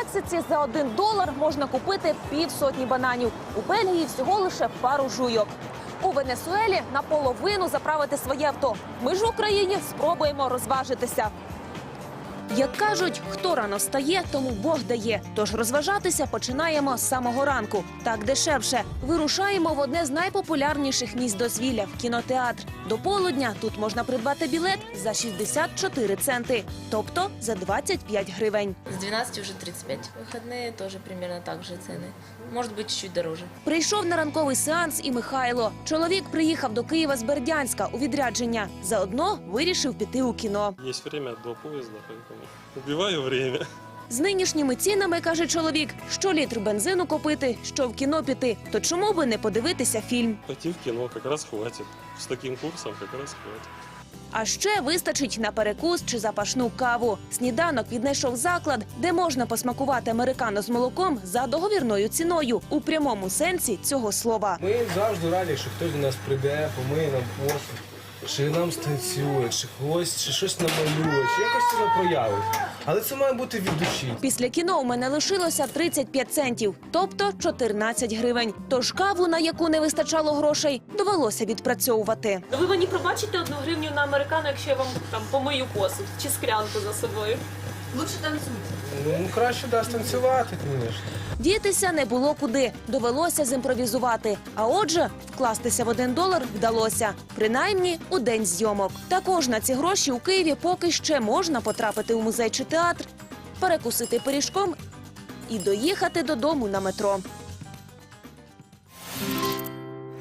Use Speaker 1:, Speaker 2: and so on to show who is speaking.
Speaker 1: Мексиці за $1 можна купити півсотні бананів. У Бельгії всього лише пару жуйок. У Венесуелі наполовину заправити своє авто. Ми ж в Україні спробуємо розважитися. Як кажуть, хто рано встає, тому Бог дає. Тож розважатися починаємо з самого ранку. Так дешевше. Вирушаємо в одне з найпопулярніших місць дозвілля – в кінотеатр. До полудня тут можна придбати білет за 64 центи, тобто за 25 гривень.
Speaker 2: С 12 уже 35. Выходные тоже примерно так же цены. Может быть, чуть-чуть дороже.
Speaker 1: Прийшов на ранковий сеанс і Михайло. Чоловік приїхав до Києва з Бердянська у відрядження. Заодно вирішив піти у кіно.
Speaker 3: Есть время до поезда, поэтому убиваю время.
Speaker 1: З нинішніми цінами, каже чоловік, що літр бензину купити, що в кіно піти. То чому би не подивитися фільм?
Speaker 3: Пойти в кино как раз хватит. С таким курсом как раз хватит.
Speaker 1: А ще вистачить на перекус чи запашну каву. Сніданок віднайшов заклад, де можна посмакувати американо з молоком за договірною ціною. У прямому сенсі цього слова.
Speaker 4: Ми завжди раді, що хтось до нас прийде, помиє нам посуд, чи нам станцює, чи щось намалює, чи якось себе проявить. Але це має бути від душі.
Speaker 1: Після кіно у мене лишилося 35 центів, тобто 14 гривень. Тож каву, на яку не вистачало грошей, довелося відпрацьовувати.
Speaker 5: Ви мені пробачите 1 гривню на американо, якщо я вам там помию посуд чи склянку за собою?
Speaker 4: Ну, краще дасть танцювати, звісно.
Speaker 1: Дітися не було куди, довелося зімпровізувати. А отже, вкластися в $1 вдалося. Принаймні, у день зйомок. Також на ці гроші у Києві поки ще можна потрапити у музей чи театр, перекусити пиріжком і доїхати додому на метро.